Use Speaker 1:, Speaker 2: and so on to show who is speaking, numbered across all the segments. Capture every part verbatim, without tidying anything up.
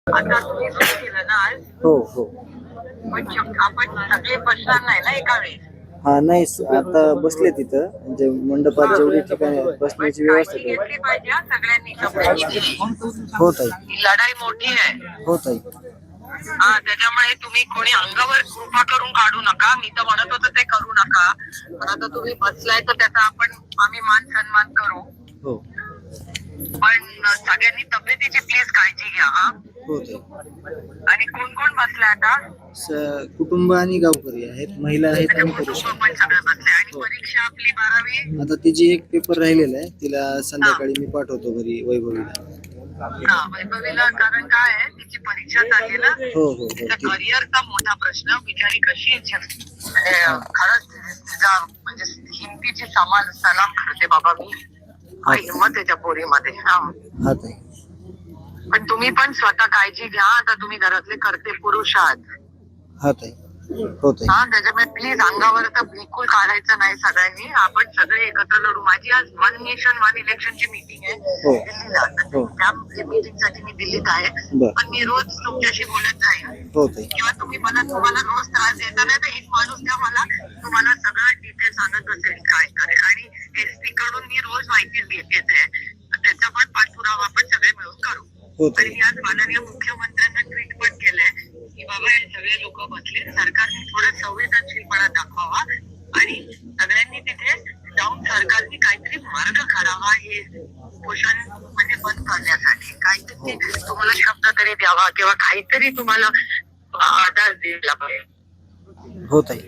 Speaker 1: आता तुम्ही सुरू केलं ना आज,
Speaker 2: हो हो
Speaker 1: पण शक- आपण सगळे बसणार नाही ना एका वेळेस.
Speaker 2: हा नाही स- आता बसले तिथं म्हणजे मंडपात जेवढी ठिकाणी बसण्याची व्यवस्था
Speaker 1: काळजी
Speaker 2: आहे.
Speaker 1: घेतली पाहिजे हा सगळ्यांनी कपड्याची.
Speaker 2: होत आहे
Speaker 1: ही लढाई मोठी आहे.
Speaker 2: होत आहे
Speaker 1: हा त्याच्यामुळे तुम्ही कोणी अंगावर कृपा करून काढू नका. मी तर म्हणत होतो ते करू नका, पण आता तुम्ही बसलाय तर त्याचा आपण आम्ही मान सन्मान करू.
Speaker 2: हो
Speaker 1: पण सगळ्यांनी तब्येतीची प्लीज काळजी घ्या हा.
Speaker 2: होत आहे.
Speaker 1: आणि कोण कोण बसलाय आता?
Speaker 2: स- कुटुंब आणि गावकरी आहेत, महिला आहेत आणि पुरुष
Speaker 1: कुटुंब
Speaker 2: आहेत.
Speaker 1: पण सगळं बसले. आणि
Speaker 2: हो.
Speaker 1: परीक्षा आपली बारावी.
Speaker 2: आता तिची एक पेपर राहिलेला आहे, तिला संध्याकाळी मी पाठवतो घरी वैभवीला.
Speaker 1: हा वैभवीला, कारण काय आहे तिची परीक्षा चालली ना.
Speaker 2: हो हो हो
Speaker 1: तिचा
Speaker 2: ती-
Speaker 1: करिअरचा मोठा प्रश्न. बिचारी कशी आहे, म्हणजे खरंच तिचा म्हणजे हिमतीची समान सलाम करते बाबा मी. काय हिंमत आहे त्या पोरीमध्ये. हा
Speaker 2: हा ताई.
Speaker 1: पण तुम्ही पण स्वतः काळजी घ्या. आता तुम्ही घरातले करते पुरुष आहात
Speaker 2: हा ताई. हो ताई.
Speaker 1: हा, त्याच्यामुळे प्लीज अंगावर तर बिलकुल काढायचं नाही सगळ्यांनी. आपण सगळे एकत्र लढू. माझी आज वन नेशन वन इलेक्शनची मीटिंग आहे
Speaker 2: हो.
Speaker 1: दिल्लीला.
Speaker 2: हो.
Speaker 1: त्या मीटिंग साठी मी दिल्लीत आहे.
Speaker 2: बर.
Speaker 1: पण मी रोज तुमच्याशी बोलत जाईन.
Speaker 2: हो ताई.
Speaker 1: किंवा तुम्ही मला तुम्हाला रोज त्रास देता नाही तर एक माणूस द्या मला, तुम्हाला सगळं डिटेल सांगत असेल काय करेल. आणि एसपी कडून मी रोज माहिती घेते, त्याचा पण पाठपुरावा आपण सगळे मिळून करू.
Speaker 2: हो
Speaker 1: आणि
Speaker 2: ताई.
Speaker 1: मी आज माननीय मुख्यमंत्र्यांना ट्विट पण केलंय की बाबा हे सगळे लोक बसले, सरकारने थोडा संवेदनशीलपणा दाखवावा आणि सगळ्यांनी तिथे जाऊन सरकारने काहीतरी मार्ग काढावा हे उपोषण म्हणजे बंद करण्यासाठी. काहीतरी तुम्हाला शब्द तरी द्यावा किंवा काहीतरी तुम्हाला आधार दिला पाहिजे.
Speaker 2: हो ताई.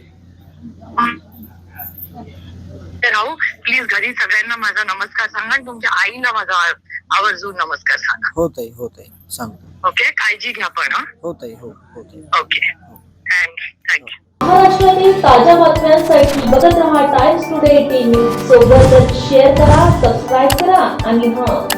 Speaker 1: तर राहू प्लीज घरी सगळ्यांना माझा नमस्कार सांगा आणि तुमच्या आईला माझा आवर्जून नमस्कार सांगा.
Speaker 2: हो ताई. हो ताई सांगतो.
Speaker 1: ओके, काळजी घ्या पण.
Speaker 2: हो ताई. हो हो ताई.
Speaker 1: Okay, thank you thank you.
Speaker 3: महाराष्ट्रातील ताज्या बातम्यांसाठी बघत रहा टाइम्स टुडे टीव्ही. सोबतच शेअर करा, सबस्क्राईब करा आणि हां